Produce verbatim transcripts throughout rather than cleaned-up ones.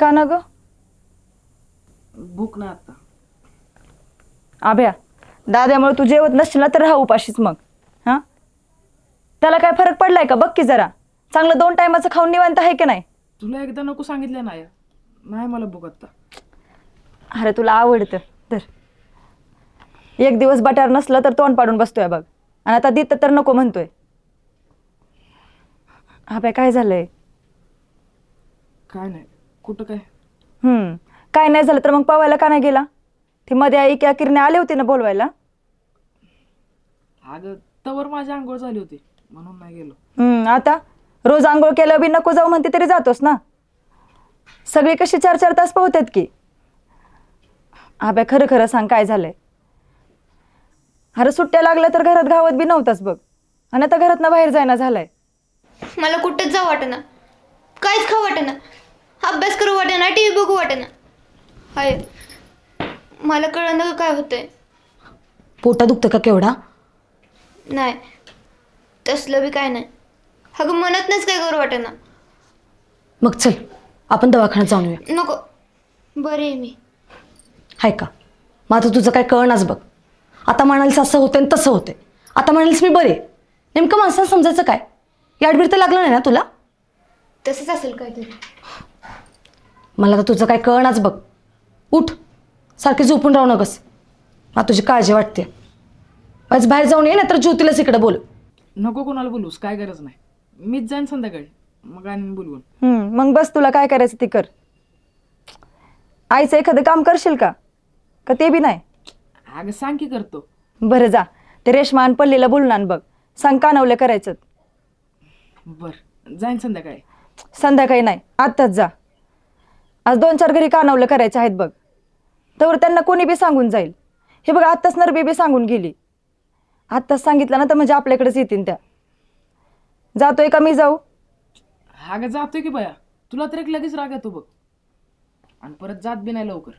का ना ग? भूक नाही आता. आभ्या, दाद्यामुळे तू जेवत नसशील ना तर राहा उपाशीच मग. हा, त्याला काय फरक पडलाय का बघ की जरा. चांगलं दोन टायमाचं खाऊन निवांत आहे की नाही? तुला एकदा नको सांगितलं नाही नाही मला भूक आता. अरे तुला आवडतं तर एक दिवस बटार नसलं तर तोंड पाडून बसतोय बघ, आणि आता दित तर नको म्हणतोय. आभ्या काय झालंय? काय नाही. कुठं काय? हम्म काय नाही झालं तर मग पवायला का नाही गेला? ती मध्ये आई की किरणे आले होते ना बोलवायला. अगं तवर माझी आंघोळ झाली होती म्हणून नाही गेलो. हम्म आता रोज आंघोळ केलं बी नको जाऊ म्हणते तरी जातोस ना. सगळी कशी चार चार तास पोहतात की. आब्या खरं खरं सांग काय झालंय? अरे सुट्ट्या लागल्या तर घरात गावात बी नव्हताच बघ, आणि आता घरात ना बाहेर जायना झालाय. मला कुठंच जाऊ वाटेना, काहीच खाऊ वाटेना, अभ्यास करू वाटेना, टी व्ही बघू वाटेना. हाय मला कळलं काय होतंय. पोटा दुखतं का केवढा? नाही तसलं बी काय नाही. अगं मनातनंच काय करू वाटेना. मग चल आपण दवाखान्यात जाऊन येऊया. नको, बरी आहे मी. हाय का? मग आता तुझं काय कळणाच बघ. आता म्हणालीस असं होतं आणि तसं होतंय, आता म्हणालीस मी बरे. नेमकं माणसाला समजायचं काय? याडबीड तर लागलं नाही ना तुला? तसंच असेल काहीतरी. मला तर तुझं काय कळणाच बघ. उठ, सारखी झोपून राहू नकस. मला तुझी काळजी वाटते. आज बाहेर जाऊन ये, नाहीतर ज्योतीलाच इकडे बोल. नको कोणाला बोलूस, काय गरज नाही. मीच जाईन संध्याकाळी, मग आणि बोलवून. हम्म मग बस तुला काय करायचं ते कर. आईचं एखादं काम करशील का का ते बी नाही? अगं सांग की करतो. बरं जा, ते रेशमा आणि पल्लीला बोलून आण बघ. सांग कानवले करायचं. बर जाईन संध्याकाळी. संध्याकाळी नाही आत्ताच जा. आज दोन चार घरी कानवलं करायचे आहेत बघ. तर त्यांना कोणी बी सांगून जाईल. हे बघ आत्ताच नरबी बी सांगून गेली. आत्ताच सांगितलं ना तर म्हणजे आपल्याकडेच येतील त्या. जातोय का मी जाऊ? अगं जातोय की बया, तुला तर एक लगेच राग येतो बघ, आणि परत जात बी नाही लवकर.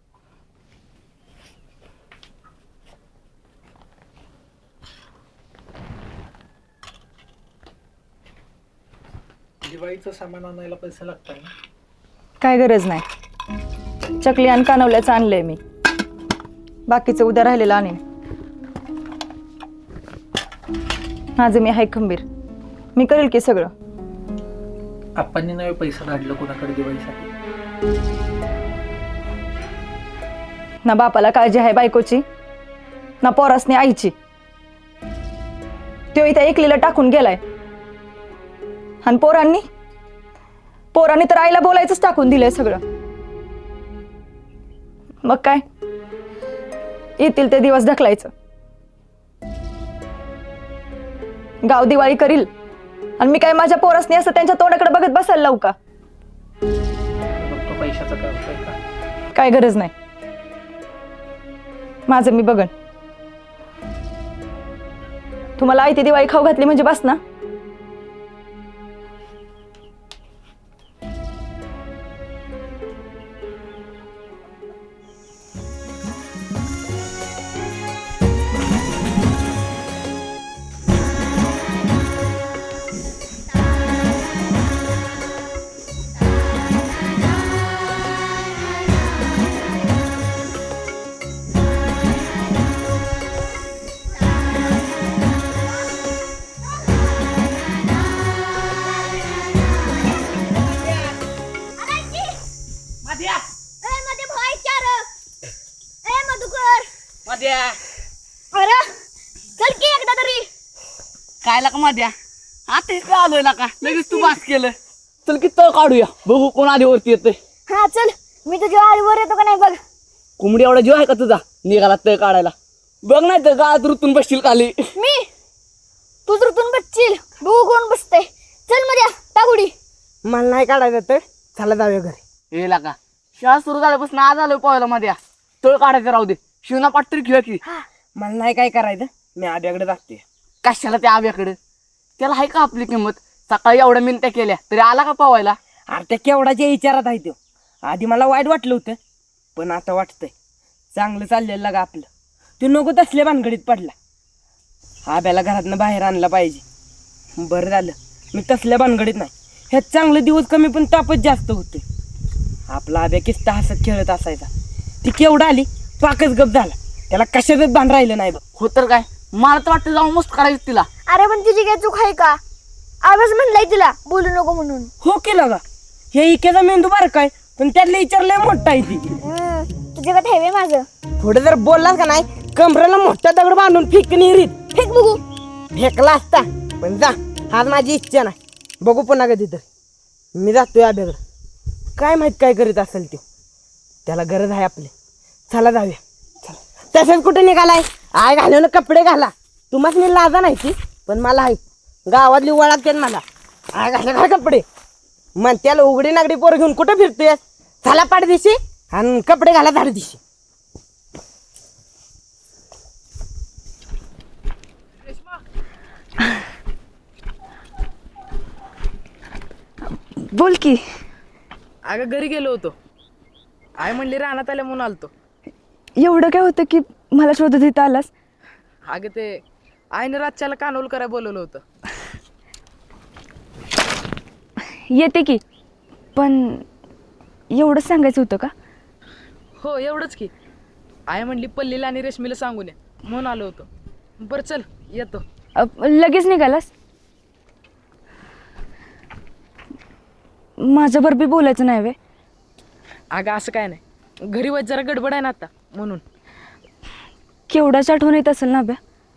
दिवाळीचं सामान आणायला पैसे लागतात ना? काय गरज नाही. चकली आणि कानवल्याचं आणलंय मी. बाकीचं उद्या राहिलेलं आणेन. माझं मी हाय खंबीर, मी करेल की सगळं. आप्पांनी नवे पैसे काढलं कोणाकडे दिवाळीसाठी? ना बापाला काळजी आहे बायकोची, ना पोरासनी आईची. तो इथं एकलीला टाकून गेलाय, आणि पोरांनी पोरांनी तर आईला बोलायचंच टाकून दिलंय सगळं. मग काय, येतील ते दिवस ढकलायचं. गाव दिवाळी करील, आणि मी काय माझ्या पोरासनी असं त्यांच्या तोंडाकडे बघत बसायला लावू का? बघतो पैशाचं काय होतंय का. काय गरज नाही, माझं मी बघन. तुम्हाला आई ती दिवाळी खाऊ घातली म्हणजे बस ना. अरे चल की एकदा तरी. काय लाका माद्या, आता इकडे आलोय ना का लगेच तू बास केलं. चल की तळ काढूया, बघू कोण आधी वरती येते. हा चल, मी तुझ्या आईवर येतो का नाही बघ. कोंबडी एवढा जीव आहे का तुझा निघाला तळ काढायला? बघ नाही तर गाळात रुतून बसशील खाली. मी तू रुतून बसशील, बघू कोण बसतंय. चल मध्ये टाकुडी. मला नाही काढायचं तर चला जाऊया घरी. हे लाका शाळा सुरू झाल्यापासून आज आलोय पोहायला मध्ये. तळ काढायचं राहू दे, शिवना पाठ तरी खेळ की. मला नाही काय करायचं, मी आब्याकडे जाते. कशाला त्या आव्याकडे? त्याला आहे का आपली किंमत? सकाळी एवढ्या मिनिट्या केल्या तरी आला का पोहायला? अरे त्या केवढाच्या विचारात आहे तो. आधी मला वाईट वाटलं होतं, पण आता वाटतंय चांगलं चाललेलं लागा आपलं. तू नको तसल्या भानगडीत पडला. आब्याला घरातनं बाहेर आणला पाहिजे. बरं झालं मी तसल्या भानगडीत नाही. ह्यात चांगले दिवस कमी पण तापच जास्त होते. आपला आब्या किस्ता हसत खेळत असायचा. ती केवढा आली पाकच गप झाला. त्याला कशातच भान राहिलं नाही बघ. हो तर काय, मला तर वाटतं जाऊन मस्त काढायचं तिला. अरे पण तुझी काय चूक आहे का? आवाज म्हणलाय तिला बोलू नको म्हणून. हो केलं का? हे इकेचा मेंदू बार काय, पण त्यातलं विचारलंय मोठा आहे ती. तुझ्या काय ठेवे माझं थोडं जर बोललास का नाही कमरेला मोठा दगड बांधून फेक निरीत. फेक बघू. फेकला असता पण जा, आज माझी इच्छा नाही. बघू पुन्हा कधी तर. मी जातोय आब्याकडं. काय माहित काय करीत असेल ते. त्याला गरज आहे आपली. चला जाऊया. तसंच कुठे निघालाय? आय घालून कपडे घाला. तुम्हाला मी लाजा नाही ती, पण मला आहे गावातली ओळखते मला. आय घाला घाल कपडे. मग त्याला उघडी नागडी पोर घेऊन कुठं फिरतोय? चला पाठ दिशी आणि कपडे घाला झाड दिशी. बोल की. अगं घरी गेलो होतो. आई म्हणली रानात आल्या म्हणून आलतो. एवढं काय होतं की मला शोधत इथं आलास? अगं ते आईने रातच्याला कानोल करायला बोलवलं होतं. येते की, पण एवढंच सांगायचं होतं का? हो एवढंच की. आई म्हणली पल्लीला आणि रेशमीला सांगून ये म्हणून आलो होतो. बरं चल येतो. अ, लगेच निघालास? माझ्याबरोबर बी बोलायचं नाही वे? अगं असं काय नाही, घरी वाज जरा गडबड आहे ना आता म्हणून. केवढाच आठवण येत असेल ना अभ्या?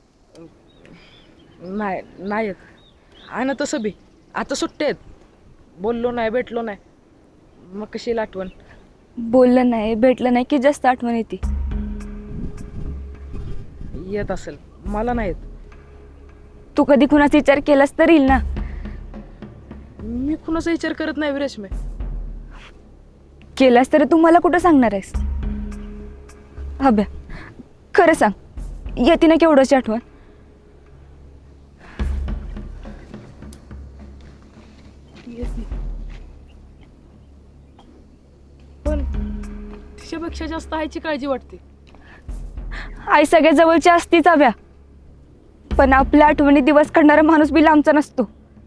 नाही नाही येत आहे ना तसं बी. आता सुट्टे आहेत, बोललो नाही भेटलो नाही मग कशी येईल आठवण. बोललं नाही भेटलं नाही की जास्त आठवण येते. येत असेल, मला नाही येत. तू कधी कुणाचा विचार केलास तर येईल ना. मी कुणाचा विचार करत नाही रेशमे. केलास तर तू मला कुठं सांगणार आहेस? अभ्या खरं सांग, येते ना केवढंची आठवण? पण तिच्यापेक्षा जास्त आईची काळजी वाटते. आई सगळ्यात जवळची असतीच अभ्या, पण आपल्या आठवणी दिवस काढणारा माणूस बी लांबचा नसतो.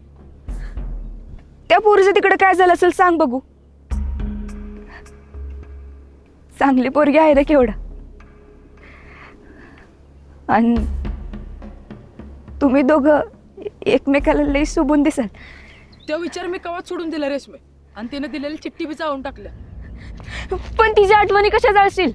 त्या पोरीचं तिकडे काय झालं असेल सांग बघू. चांगली पोरगी आहे रे केवढा. आणि तुम्ही दोघं एकमेकाला लई सुबून दिसाल. तो विचार मी कवाच सोडून दिला रेशमे, आणि तिने दिलेली चिठ्ठी बी चावून टाकल्या. पण तिच्या आठवणी कशा जाळशील?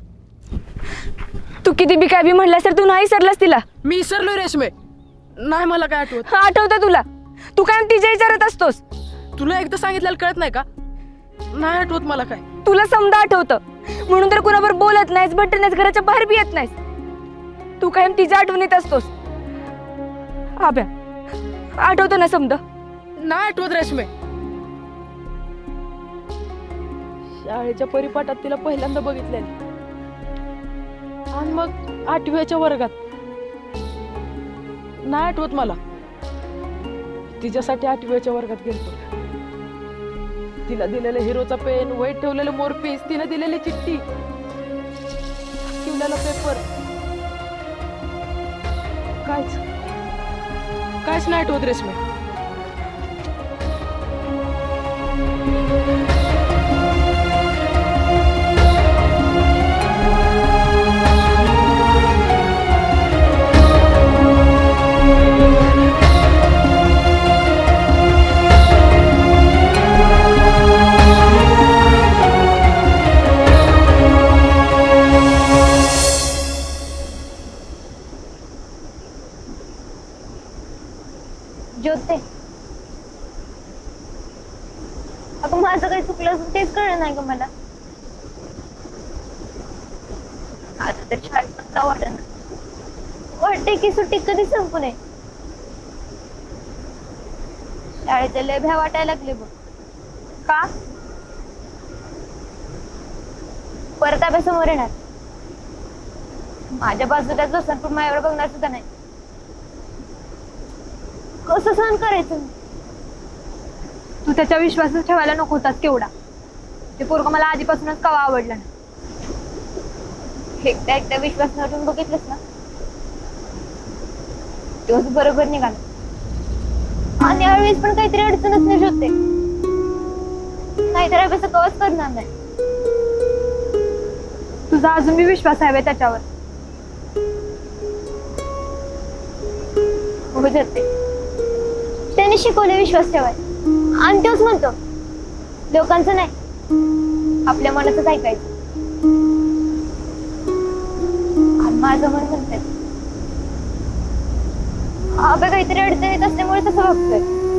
तू किती बी काय बी म्हणलास तर तू नाही सरलास तिला. मी विसरलोय रेशमे, नाही मला काय आठवत. आठवतं तुला? तू काय तिच्या विचारत असतोस? तुला एकदा सांगितलेलं कळत नाही का? नाही आठवत मला काय. तुला समजा आठवतं म्हणून तर कुणावर बोलत नाहीस, भेटत नाहीस, घराच्या बाहेर बी येत नाहीस. तू कायम तिच्या आठवणीत असतोस. आब्या आठवतं ना समजा? नाही आठवत रेशमे. शाळेच्या परिपाठात तिला पहिल्यांदा बघितलेली, आणि मग आठव्याच्या वर्गात. नाही आठवत मला. तिच्यासाठी आठव्याच्या वर्गात गेलतो. तिला दिलेलं हिरोचा पेन, वहीत ठेवलेलं मोरपीस, तिने दिलेली चिठ्ठी, ठेवलेला पेपर, कायच कायच नाही आठवत रेशमे. ज्योते, अगं माझं काही चुकलं असेल तेच कळलं नाही ग मला. आता तर शाळेत पण जावं वाटत वाटते की सुट्टी कधी संपू नये. शाळेच्या लय भ्या वाटायला लागले बघ. का? परत अभ्यासमोर येणार. माझ्या बाजूला जो पण माझ्यावर बघणार सुद्धा नाही. कसं सहन करायचं? तू त्याच्या विश्वासात ठेवायला नको होतास केवढा. ते पोरगं मला आधीपासूनच कवा आवडलं ना. एकदा एकदा विश्वास नटून बघितलंस ना, तेव्हाच बरोबर निघाला. आणि यावेळेस पण काहीतरी अडचणच नाही शोधते. नाहीतर अभ्यास कवच करणार नाही. तुझा अजून मी विश्वास आहे बे त्याच्यावर. हो जाते. त्याने शिकवले विश्वास ठेवाय आणि तोच म्हणतो लोकांचं नाही आपल्या मनातच ऐकायचं. आणि माझं मन म्हणतंय अबे काहीतरी अडचणीत असल्यामुळे तसं बघतोय.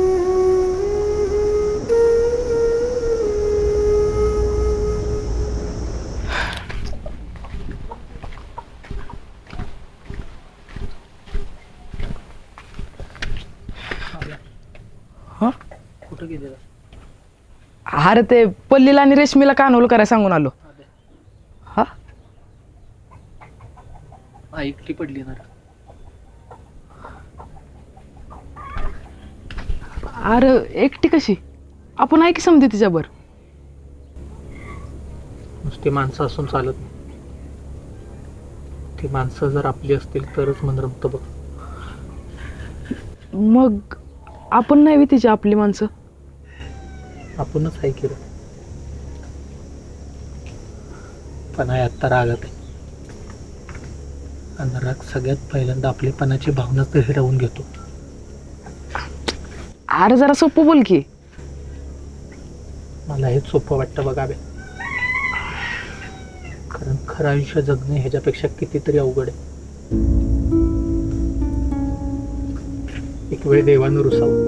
कुठं गेलेला? अरे ते पल्लीला आणि रेशमीला कानोल करायला सांगून आलो. हा ऐकली पडली ना. अरे एकटी कशी? आपण आहे की समजे तिच्यावर. नुसती माणसं असून चालत नाही. ती माणसं जर आपली असतील तरच मन रमतं बघ. मग आपण नाही तिची आपली माणसं. आपणच आहे की रे. पण आहे आत्ता रागात आहे. आणि राग सगळ्यात पहिल्यांदा आपलेपणाची भावना तर हिरावून घेतो. अरे जरा सोपं बोल की. मला हेच सोपं वाटतं बघा बे. कारण खरं आयुष्य जगणे ह्याच्यापेक्षा कितीतरी अवघड आहे. एक वेळ देवानं रुसावं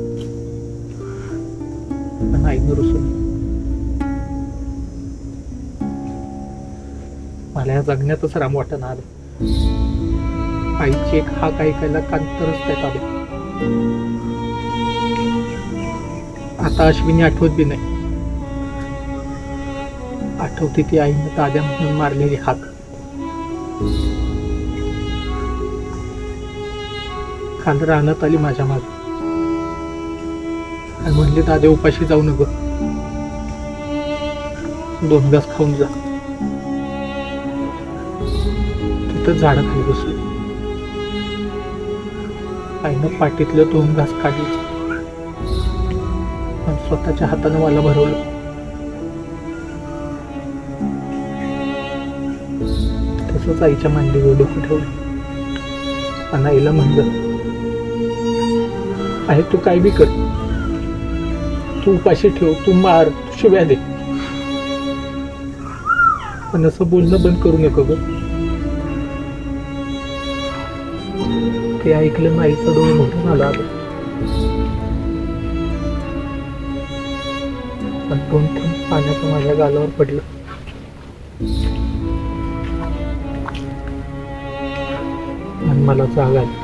पण आईनं रुसून. मला या जगण्यातच राम वाटणं आलं. आईची एक हाक ऐकायला कांतरच त्यात आलं. आता अश्विनी आठवत बी नाही. आठवते ती आईनं ताद्या म्हणून मारलेली हाक. काल रानात आली माझ्या माग आणि म्हणली दादे उपाशी जाऊ नको, दोन घास खाऊन जा. तिथं झाडाखाली बसलो. आईनं पाठीतलं दोन घास काढले आणि स्वतःच्या हातानं मला भरवलं. तसंच आईच्या मांडीवर डोकं ठेवलं आणि आईला म्हणलं, आहे तू काय बी कर, तू उपाशी ठेव, तू मार, तू शिव्या दे, पण असं बोलणं बंद करू नको ग. ते ऐकलं आईचं डोळं मोठं झालं आलं. आणि दोन थेंब पाण्याचं माझ्या गालावर पडलं. आणि मला जाग आली.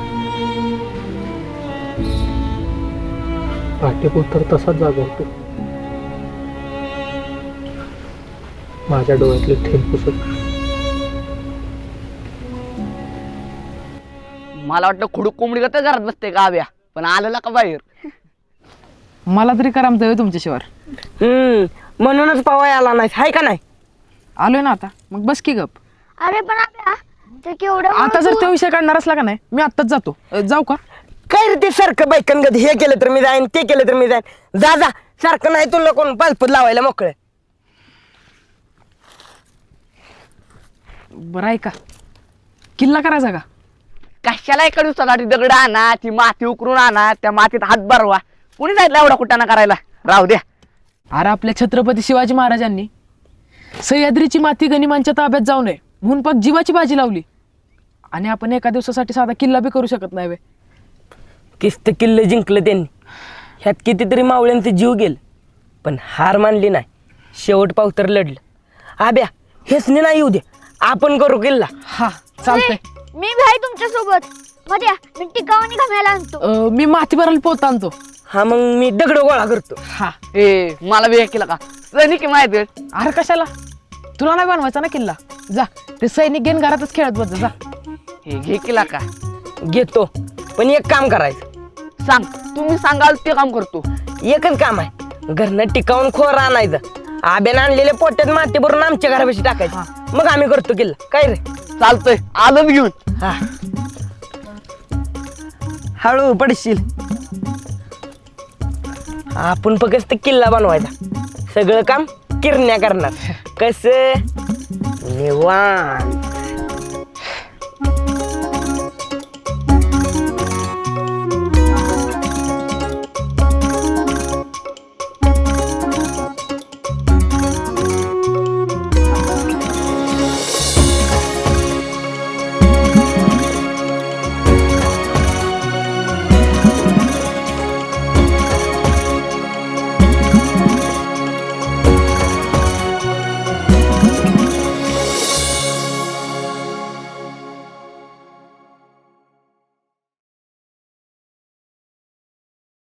पाठीपुत्र तसाच जागा होतो. माझ्या डोळ्यातले थेंब पुसत. मला वाटलं खुडूक कोंबडी का घरात बसते का आव्या, पण आलेला का बाहेर. मला तरी करामत आहे तुमच्याशिवाय. हम्म म्हणूनच पवाय आला नाही हाय का नाही. आलोय ना आता, मग बस की गप. अरे पण अभ्या ते केवढं आता जर तो विषय काढणार असला का नाही, मी आत्ताच जातो. अ, जाऊ का? काय रे ते सारखं बायकन गद हे केलं तर मी जाईन, ते केलं तर मी जाईन. जा जा सारखं नाही तुला कोण पालपत लावायला मोकळे. बरं आहे का, किल्ला करायचा का? कशाला एका दिवसासाठी दगड आणा, ती माती उकरून आणा, त्या मातीत हात भरवा. कुणी जायला एवढा कुटाणा करायला, राहू द्या. अरे आपल्या छत्रपती शिवाजी महाराजांनी सह्याद्रीची माती गनिमांच्या ताब्यात जाऊ नये म्हणून पाक जीवाची बाजी लावली. आणि आपण एका दिवसासाठी साधा किल्ला बी करू शकत नाही वे. किस्त किल्ले जिंकलं त्यांनी, ह्यात कितीतरी मावळ्यांचे जीव गेले, पण हार मानली नाही. शेवट पावतर लढलं. आब्या हेच नाही येऊ दे, आपण करू किल्ला. हा चालतंय. मी भी आहे तुमच्या सोबत. मध्ये मी टिकावानी घामायला आणतो. अ, मी माती भरायला पोत आणतो. हा मग मी दगड गोळा करतो. हा ए मला बी केला का सैनिक माहिती. अरे कशाला, तुला नाही बनवायचा ना किल्ला. जा ते सैनिक घेऊन घरातच खेळत बस जा. हे घे केला का घेतो, पण एक काम करायचं. सांग, तुम्ही सांगाल ते काम करतो. एकच काम आहे, घरनं टिकावून खोर आणायचं, आब्यानं आणलेल्या पोट्यात माती भरून आमच्या घरापाशी टाकायचं, मग आम्ही करतो किल्ला. काय रे? चालतंय, आलं घेऊन. हा हळू पडशील. आपण फक्त किल्ला बनवायचा, सगळं काम किरण्या करणार कसं निवांत